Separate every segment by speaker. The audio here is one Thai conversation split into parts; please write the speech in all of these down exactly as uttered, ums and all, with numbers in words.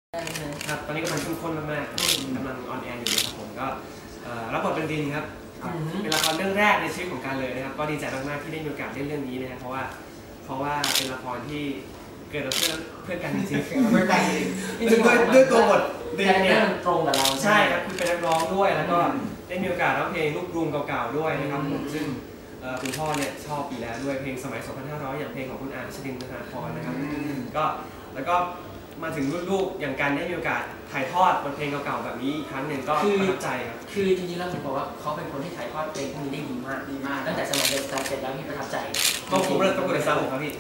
Speaker 1: ครับตอนนี้กำลังเข้มข้นมากๆกำลังออนแอร์อยู่นะครับผมก็รับบทเป็นดินครับเป็นละครเรื่องแรกในชีวิตของการเลยนะครับก็ดีใจมากๆที่ได้มีโอกาสเล่นเรื่องนี้นะครับเพราะว่าเพราะว่าเป็นละครที่เกิดมาเพื่อเพื่อนกันจริงๆเพื่อนกันจริงๆด้วยด้วยตัวบทดินเนี่ยตรงกับเราใช่ครับคือเป็นนักร้องด้วยแล้วก็ได้มีโอกาสร้องเพลงลูกกรุงเก่าๆด้วยนะครับผมซึ่งคุณพ่อเนี่ยชอบอยู่แล้วด้วยเพลงสมัย สองพันห้าร้อย อย่างเพลงของคุณอาชลินธนาธรนะครับก็แล้วก็มาถึงรุ่นลูกอย่างการได้มีโอกาสถ่ายทอดบทเพลงเก่าๆแบบนี้อีกครั้งหนึ่งก็ประทับใจครับ
Speaker 2: คือจริงๆแล้วผมบอกว่าเขาเป็นคนที่ถ่ายทอดเพลงพวกนี้ได้ดีมากดีมากตั้งแต่สมัยเด็กเสร็จแล้วพี่ประทับใจ
Speaker 1: ก็ผมเริ่มต้องกดในซาวด์ครับพี่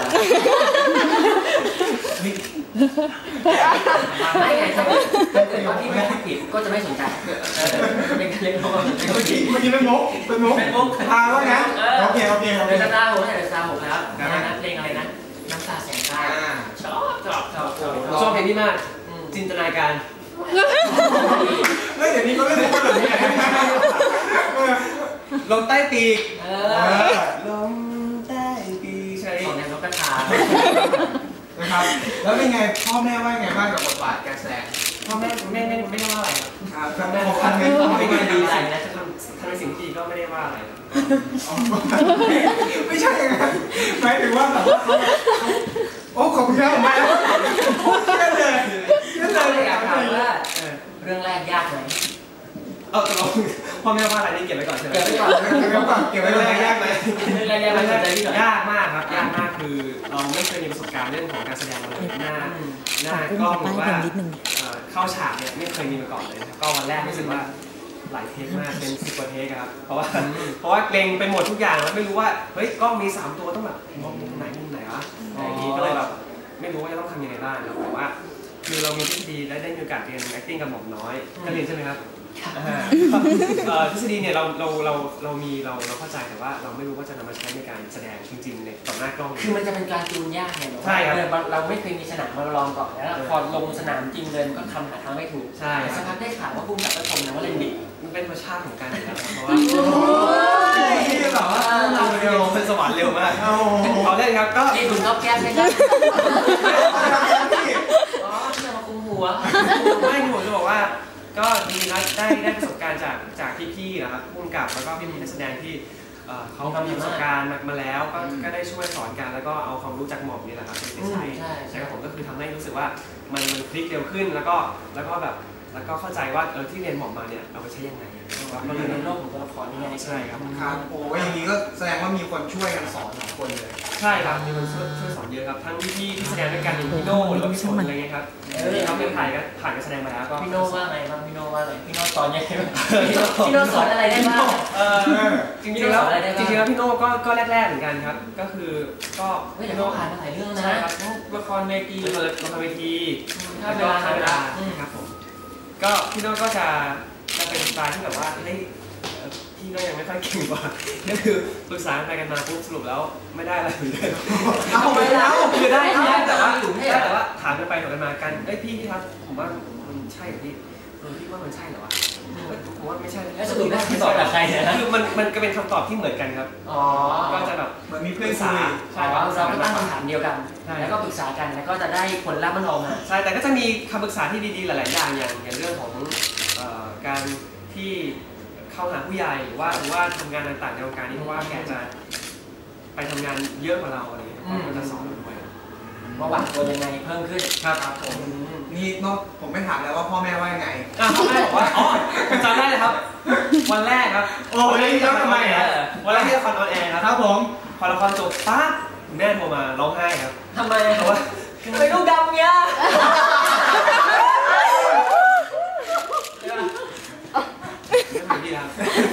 Speaker 2: ไม่ไงถ้าเกิดว่าพี่ไม่ผิดก็จะไม่สนใจเป็นการเล่นโน้ต
Speaker 3: เมื่อกี้เมื่อกี้เป็นมุกเป็นมุกเป็นมุกพาว่างั้นโอเคโอเค
Speaker 2: เดี๋ยวจะตาผมเดี๋ยวจะตาผมครับเพลงอะไรนะน้ำตาแสงใต้ชอบชอบชอบ
Speaker 1: ชอบเพลงนี้มากจินตนาการ
Speaker 3: ไม่เดี๋ยวนี้เขาเล่นมุกแบบนี้ลงใต้ปีก
Speaker 1: ลงใต้ปีกใช่
Speaker 2: ของแนวนกกระทา
Speaker 3: นะครับแล้วเป็นไงพ่อแม่ว่าไงบ้างกับบทบาทการแสดง
Speaker 1: พ่อแม่แม่ไม่ไม่ได้ว่าอะไรครับ
Speaker 3: พ่อ
Speaker 1: แม่
Speaker 3: คอมเมนต์
Speaker 1: ไม่ได้ดีอะไรนะทำทำในสิ่งที่ก็ไม่ได้ว่าอะไร
Speaker 3: ไม่ใช่ไงหมายถึงว่าแบบว่าเขาโอ้ขอบคุณครับมาแล้วนั่นเลยนั่นเลย
Speaker 2: อยากถามว่าเรื่องแรกยากไหม
Speaker 1: เออตกลงพ่อแม่ว่าอะไรนี่เก็บไว้ก่อนใช่ไหม
Speaker 2: เก็บไว้ก่อน
Speaker 3: เก็บไว้ก่อนเก็บไว้เลย
Speaker 1: ยากไหม
Speaker 2: เรื่องแรกยากไหม
Speaker 1: ยากมากครับยากมากคือเราไม่เคยมีประสบการณ์เรื่องของการแสดงเลยหน้าหน้ากล้องหรือว่าเข้าฉากเนี่ยไม่เคยมีมาก่อนเลยก็วันแรกรู้สึกว่าหลายเทคมากเป็นสิบกว่าเทคครับเพราะว่าเพราะว่าเกรงไปหมดทุกอย่างแล้วไม่รู้ว่าเฮ้ยกล้องมีสามตัวต้องแบบมองมุมไหนมุมไหนวะอะไรอย่างนี้ก็เลยแบบไม่รู้ว่าจะต้องทำยังไงบ้างแต่ว่าคือเรามีทฤษฎีและได้มีโอกาสเรียน acting กับหม่อมน้อยก็เรียนใช่ไหมครับทฤษฎีเนี่ยเราเราเราเรามีเราเราเข้าใจแต่ว่าเราไม่รู้ว่าจะนำมาใช้ในการแสดงจริงๆในต่อหน้ากล้อง
Speaker 2: คือมันจะเป็นการจูนยากไง
Speaker 1: ใช่ครับ
Speaker 2: เราไม่เคยมีสนามมาลองก่อนแล้วพอลงสนามจริงเลยก็ทำหาทางไม่ถูก
Speaker 1: ใช่
Speaker 2: สักพักได้ข่าวว่าพุ่งกับประชมนะว่าเล่นดี
Speaker 1: มันเป็นธรรมชาติของการเล่นเพราะว่าที่แบบว่าเราเร็วเป็นสวรรค์เร็วมากเขาเล่นครับก็
Speaker 2: นี่คุณชอบแก้มใช่ไหมอ๋อที่จะมาคุมหัว
Speaker 1: ไม่ผมจะบอกว่าก็ดีนะได้ได้ประสบการณ์จากจากพี่ๆนะครับผู้กำกับแล้วก็พี่ๆนักแสดงที่เขามีประสบการณ์มาแล้วก็ก็ได้ช่วยสอนกันแล้วก็เอาความรู้จากหม่อมนี่แหละครับไปใช้ใช่ครับผมก็คือทำให้รู้สึกว่ามันมันคลิกเร็วขึ้นแล้วก็แล้วก็แบบแล้วก็เข้าใจว่าเออที่เรียนหม่อมมาเนี่ยเอาไปใช้ยังไง
Speaker 2: ก็เลยในโลกของตัวละครนี่ไง
Speaker 1: ใช่ครับ
Speaker 3: ครับโอ้ยอย่างนี้ก็แสดงว่ามีคนช่วยกันสอนหลายคนเลย
Speaker 1: ใช่ครับมีคนช่วยช่วยสอนเยอะครับทั้งพี่ที่แสดงด้วยกันอย่างพี่โน่หรือว่าพี่ชนอะไรเงี้ยครับที่เขาเป็นถ่ายก็ผ่านการแสดงมาแล้วก็
Speaker 2: พี่โน่ว่าไงบ้างพี่โน่ว่าอะไรพี่โน่สอนยังไงบ้างพี่โน่สอนอะไรได้บ้าง
Speaker 1: จริงๆแล้วจริงๆแล้วพี่โน่ก็ก็แรกๆเหมือนกันครับก็คือก็
Speaker 2: พี่โน่ผ่านมาหลายเรื่องนะ
Speaker 1: ใช่ครับละครเวทีละครเวที
Speaker 2: ถ้าเวลาเวลา
Speaker 1: ครับผมก็พี่โน่ก็จะจะเป็นสไตล์ที่แบบว่าเฮ้ยพี่ก็ยังไม่ค่อยเก่งกว่าก็คือปรึกษาไปกันมาปุ๊บสรุปแล้วไม่ได้อะไรเลย
Speaker 3: เอาไปแล้ว
Speaker 1: คือได้แต่ว่าแต่ว่าถามกันไปถามกันมากันเอ้ยพี่พี่ครับผมว่ามันใช่หรือพี่เออพี่ว่ามันใช่เหรอวะผมว่าไม่ใช่
Speaker 2: แล้วสรุปได้ที่ตอบกับใครเนี่ย
Speaker 1: คือมันมันก็เป็นคำตอบที่เหมือนกันครับ
Speaker 2: อ๋อ
Speaker 1: ก็จะแบบ
Speaker 3: เหมือนมีเพื่อนคุย
Speaker 2: ใช่เราก็ตั้งคำถามเดียวกันแล้วก็ปรึกษากันแล้วก็จะได้ผลลัพธ์มันออกมา
Speaker 1: ใช่แต่ก็จะมีคำปรึกษาที่ดีๆหลายๆอย่างอย่างอย่างเรื่องของการที่เข้าหาผู้ใหญ่หรือว่าหรือว่าทำงานต่างๆในวงการนี้เพราะว่าแกจะไปทำงานเยอะกว่าเราอะไรเงี้ยก็จะสอนเราด้วย
Speaker 2: ว่าหวังตัวยังไงเพิ่มขึ้น
Speaker 1: ครับผม
Speaker 3: นี่นอกผมไม่ถามแล้วว่าพ่อแม่ว่ายังไง
Speaker 1: พ่อแม่บอกว่าอ๋อจำได้เลยครับวันแรกครับ
Speaker 3: โอ้ยแล้วทำไมอ่ะ
Speaker 1: วันแรกที่ละครออนแอร์ครับ
Speaker 3: ครับผม
Speaker 1: พอละครจบปั๊บแม่โทรมาร้องไห้ครับ
Speaker 2: ทำไมเพราะว่าทำไมลูกดำเงี้ย
Speaker 1: พี่ครับ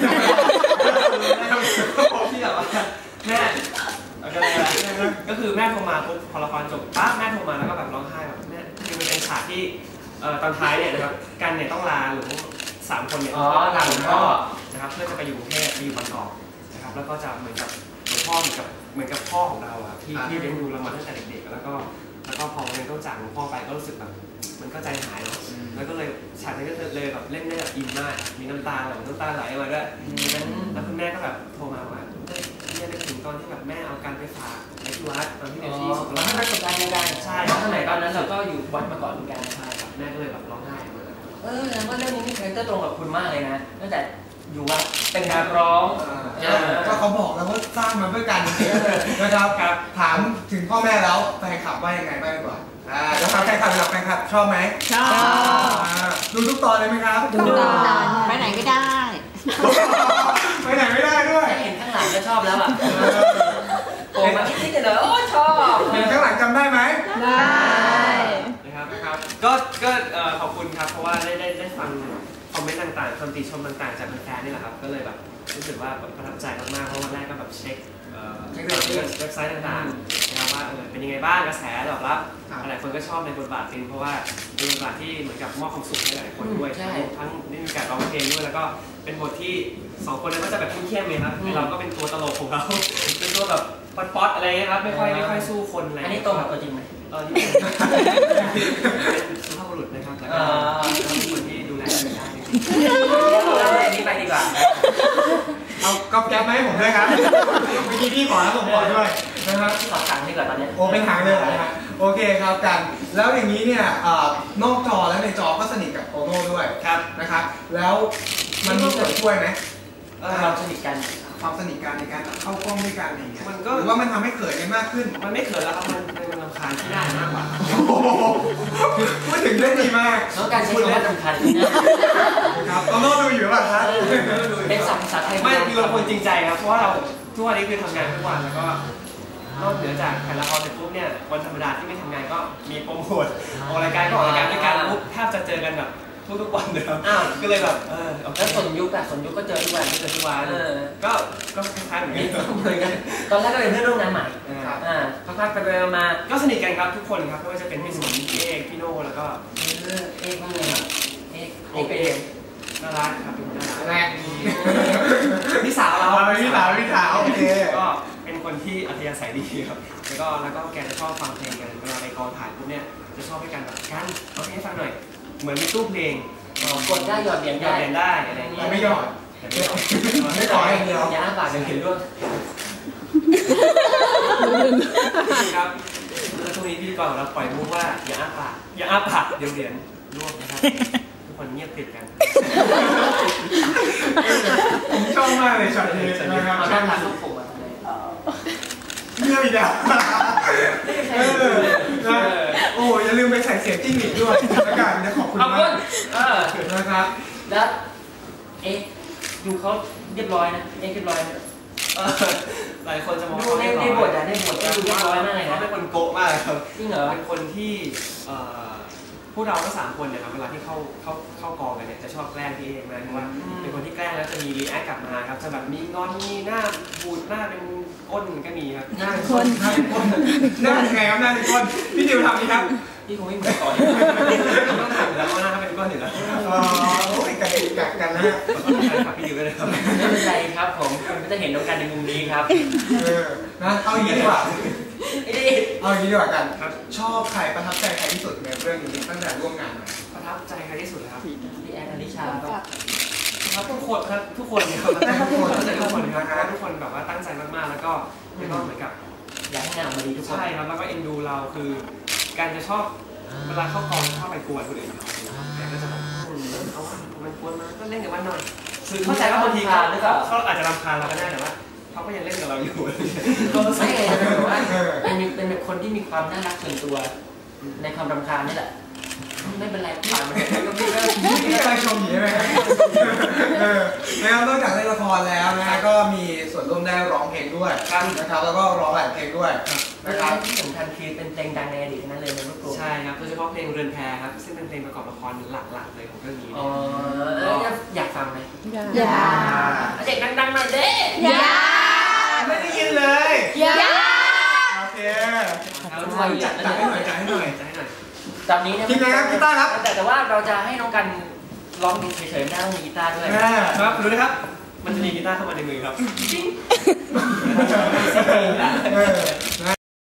Speaker 1: พี่แบบว่าแม่ก็คือแม่โทรมาปุ๊บพอละครจบปั๊บแม่โทรมาแล้วก็แบบร้องไห้แบบแม่คือมันเป็นฉากที่ตอนท้ายเนี่ยนะครับกันเนี่ยต้องลาหรือสามคนเนี่ย
Speaker 2: ลาหลวงพ่อ
Speaker 1: นะครับเพื่อจะไปอยู่กรุงเทพไปอยู่บางกอกนะครับแล้วก็จะเหมือนกับหลวงพ่อเหมือนกับเหมือนกับพ่อของเราอะที่ที่เลี้ยงดูเรามาตั้งแต่เด็กๆแล้วก็แล้วก็พอวันนึงต้องจากหลวงพ่อไปก็รู้สึกแบบมันก็ใจหายแล้วแล้วก็เลยฉากนี้ก็เลยแบบเล่นได้แบบอินมากมีน้ำตาแบบน้ำตาไหลมาด้วยแล้วคุณแม่ก็แบบโทรมาว่าเนี่ยไปถึงตอนที่แบบแม่เอาการไปฝากในที่วัดตอนที่เรียนที่สุข
Speaker 2: แล้วให้ประสบการณ์ในการ
Speaker 1: ใช่
Speaker 2: เพราะสมัยตอนนั้นเราก็อยู่วัดมาก่อนเหมือนกัน
Speaker 1: ใช่ครับใน
Speaker 2: เออแล้วก็เรื่องนี้มีคาแรคเตอร์ตรงกับคุณมากเลยนะตั้งแต่อยู่วัดเป็นนักร้อง
Speaker 3: ก็เขาบอกแล้วว่าสร้างมาเพื่อการนี้นะครับครับถามถึงพ่อแม่แล้วแฟนคลับว่ายังไงบ้างดีกว่าอ่าแล้วครับแฟนคลับกับแฟนคลับชอบไหมชอบดูทุกตอนเลยไหมครับ
Speaker 4: ดูตอนไปไหนไม่ได้
Speaker 3: ไปไหนไม่ได้ด้วย
Speaker 2: เห็นข้างหลังก็ชอบแล้วอ่ะโผล่มานิดๆเดี๋ยวโอ้ชอบ
Speaker 3: เห็นข้างหลังจำได้ไหม
Speaker 4: ได้
Speaker 1: นะครับนะครับก็ก็เอ่อขอบคุณครับเพราะว่าได้ได้ได้ฟังคอมเมนต์ต่างๆคำติชมต่างๆจากแฟนๆนี่แหละครับก็เลยแบบรู้สึกว่าประทับใจมากๆเพราะวันแรกก็แบบเช็คเอ่อเช็คเว็บไซต์ต่างๆนะครับว่าเออเป็นยังไงบ้างกระแสตอบรับหลายคนก็ชอบในบทบาทจริงเพราะว่าเป็นบทบาทที่เหมือนกับมอบความสุขให้หลายคนด้วยทั้งได้มีการร้องเพลงด้วยแล้วก็เป็นบทที่สองคนนั้นก็จะแบบเข้มๆเลยครับเราก็เป็นตัวตลกของเราเป็นตัวแบบป๊อตๆอะไรเงี้ยครับไม่ค่อยไม่ค่อยสู้คนอะไร
Speaker 2: อันนี้ตรงกับตัวจริงไหม
Speaker 1: เออนี่เป็นสุภาพบุรุษนะครับแล้วก็เป็นคนที่ดูแลตัวเองได้จริง
Speaker 2: เราเรื่องนี้ไปดีกว่า
Speaker 3: เอาก๊อปแก๊ปมาให้ผมด้วยครับเมื่อกี้พี่ขอแล้วผมขอด้วยนะครับ
Speaker 2: ที่ขอสั่งดีกว่าตอนนี้
Speaker 3: โอ้เป็นหางเลยนะฮะโอเคครับกันแล้วอย่างนี้เนี่ยนอกจอแล้วในจอก็สนิทกับโตโน่ด้วย
Speaker 1: ๆครับ
Speaker 3: นะครับแล้วมันมีส่วนช่วยไหม
Speaker 1: เออ
Speaker 2: เราสนิทกัน
Speaker 3: ความสนิทกันในการเข้ากล้องด้วยกันอะไรอย่างเงี้ย
Speaker 1: มันก็
Speaker 3: หรือว่ามันทำให้เขินกันมากขึ้น
Speaker 1: มันไม่เขินแล้วครับมันมันรำคาญที่ได้มากกว่า
Speaker 3: โอ้โหพูดถึงเรื่องดีมาก
Speaker 2: น้องการใช้คำว่าสำคัญนะครับ
Speaker 3: โตโน่ดูอยู่ป่ะครับ
Speaker 2: เป็นศัพท์ภาษาไทย
Speaker 1: ไม่คือเราควรจริงใจครับเพราะว่าเราทุกวันนี้คือทำงานทุกวันแล้วก็นอกเหนือจากถ่ายละครเสร็จปุ๊บเนี่ยวันธรรมดาที่ไม่ทำงานก็มีโปรโมทออกรายการก็ออกรายการด้วยกันปุ๊บแทบจะเจอกันแบบทุกๆวันเลยครับ
Speaker 2: อ้าว
Speaker 1: ก็เลยแบบเออ
Speaker 2: แล้วสนยุคอะสนยุคก็เจอทุกวัน
Speaker 1: เจอทุกวัน
Speaker 2: เออ
Speaker 1: ก็ก็คล้ายๆเหมือนกัน
Speaker 2: เหมือนกันตอนแรกก็เป็นเพื่อนร่วมงานใหม่อ่าพักๆไปๆมา
Speaker 1: ก็สนิทกันครับทุกคนครับไม่ว่าจะเป็นพี่สนพี่เอกพี่โน่แล้วก็
Speaker 2: เออเอกว่าไงครับเอกเอกเป็นเอก
Speaker 1: น่ารักครับเป็นคนน่ารัก
Speaker 3: แรก
Speaker 1: พี่สาวเรา
Speaker 3: เอาไปพี่สาวพี่สาวโอเค
Speaker 1: ก็เป็นคนที่อัธยาศัยดีครับแล้วก็แล้วก็แกจะชอบฟังเพลงกันเวลาไปกองถ่ายปุ๊บเนี่ยจะชอบให้กันแบบกันเอาเพลงให้ฟังหน่อยเหมือนมีตู้เพลง
Speaker 2: กดได้หยอดเหรียญ
Speaker 1: อยาก
Speaker 2: ได้
Speaker 1: เรียนได้อะไรอย่าง
Speaker 3: แต่
Speaker 1: เงี้ย
Speaker 3: ไม่ยอด
Speaker 1: แต่ไม่ยอม
Speaker 3: ไม่ขออย่างเดียว
Speaker 2: อย่าอ้าปากเดี๋ยวเห็นร่วง
Speaker 1: ครับแล้วช่วงนี้พี่ก่อนเราปล่อยมุกว่าอย่าอ้าปากอย่าอ้าปากเดี๋ยวเหรียญร่วงนะครับทุกคนเงียบติดกัน
Speaker 3: ผมชอบมากเลยช็อตนี้นะครับ
Speaker 2: เอาด้านหลังลูกผมมา
Speaker 3: เงียบอีกแล้วเออนะโอ้อย่าลืมไปใส่เสียงจิ้งหรีดด้วยแล้วกันจะขอบคุณ
Speaker 2: ขอบ
Speaker 3: มา
Speaker 2: คุ
Speaker 3: ก
Speaker 2: ณเออ
Speaker 3: นะครับ
Speaker 2: แล้วเอ๊ะดูเขาเรียบร้อยนะเอ๊ะเรียบร้อยนะ
Speaker 1: เออหลายคนจะมอง
Speaker 2: ดูในในบทอะในบทก็ดูเรียบร้อยมากเลย
Speaker 1: เขา
Speaker 2: นะ
Speaker 1: เป็นคนโกะมากครับ
Speaker 2: จริงเหรอ
Speaker 1: เป็นคนที่เอ่อพวกเราทั้งสามคนเนี่ยครับเวลาที่เข้าเข้าเข้ากองกันเนี่ยจะชอบแกล้งพี่เอกมากเพราะว่าเป็นคนที่แกล้งแล้วจะมีรีแอคกลับมาครับจะแบบมีงอนมีหน้าบูดหน้าเป็นก้นก็มีครับ
Speaker 3: หน้าเป็นคนหน้าเป็นคนหน้าเป็นไงครับหน้าเป็นคนพี่ดิวทำนี่ครับ
Speaker 2: พี่คงไม่เหมือนก่อน
Speaker 1: ต้องถามอยู่แล้วว่าหน้าเขาเป็นก้อนอยู่แล้ว
Speaker 3: อ๋อโอ้ยกัดกัดกันนะฮะ
Speaker 1: ขอโทษครับพี่ดิวด้วยนะครับ
Speaker 2: ไม่เป็นไรครับผมคุณก็จะเห็นน้องกันในมุมนี้ครับ
Speaker 3: เออนะเอาอย่างนี้ดีกว่า
Speaker 2: ไอ้ดิ
Speaker 3: เอาอย่างนี้ดีกว่ากัน
Speaker 1: ครับ
Speaker 3: ชอบใครประทับใจใครที่สุดในเรื่องนี้ตั้งแต่ร่วมงานมา
Speaker 1: ประทับใจใครที่สุดเลยครับ
Speaker 2: พี่แอนอลิชาก็
Speaker 1: ครับทุกคนครับทุกคนเนี่ยครับทุกคนทุกคนครับเพราะว่าทุกคนแบบว่าตั้งใจมากๆแล้วก็แล้วก็เหมือนกับ
Speaker 2: อยากให้งานออกมาดีทุกคน
Speaker 1: ใช่ครับแล้วก็เอ็นดูเราคือการจะชอบเวลาเข้ากองชอบไปกวนคนอื่นเขาแต่ก็จะแบบอืมเขามันกวนมาก็เล่นกับมันหน่อยคือเข้าใจว่าบางทีเขาเขาอาจจะรำคาญเราก็ได้แต่ว่าเขาก็ยังเล่นกับเราอยู่ก็รู้สึ
Speaker 2: ไม่
Speaker 1: ก
Speaker 2: ไงแต่ว่าเป็นเป็นแบบคนที่มีความน่ารักส่วนตัวในความรำคาญนี่แหละไม่เป็นไรผ่านมันก็พี่ก็
Speaker 3: พี่กำลังชมอยู่ใช่ไหมครับเออนะครับนอกจากเล่นละครแล้วนะฮะก็มีส่วนร่วมได้ร้องเพลงด้วยนะครับแล้วก็ร้องหลายเพลงด้วย
Speaker 2: นะ
Speaker 3: นะ
Speaker 2: ค
Speaker 3: ค
Speaker 2: รั
Speaker 3: รั
Speaker 2: บบ ที่สำคัญคือเป็นเพลงดังในอดีตนั้นเลยนะลูกโป่ง
Speaker 1: ใช่ครับโดยเฉพาะเพลงเรือนแพครับซึ่งเป็นเพลงประกอบละครหลักๆเลยของเรื่องนี้
Speaker 2: อ๋ออยากฟังไหม
Speaker 4: อย่า
Speaker 2: เด็กดังๆหน่อยเด้
Speaker 4: อย่า
Speaker 3: ไม่ได้ยินเลย
Speaker 4: อย่า
Speaker 3: โอเค
Speaker 1: แล้วจัดจัดให้หน่อยจัดให้หน่อยจัดให้หน่อย
Speaker 2: ตอนนี้เนี่ย
Speaker 3: ทีมงานครับกีตาร์ครับ
Speaker 2: แต่แต่ว่าเราจะให้น้องกันร้องเฉยๆไม่ได้ต้องมีกีตาร์ด้วย
Speaker 3: แม่
Speaker 1: ครับรู้นะครับมันจะมีกีตาร์เข้ามาในมือครับ
Speaker 3: เออนะ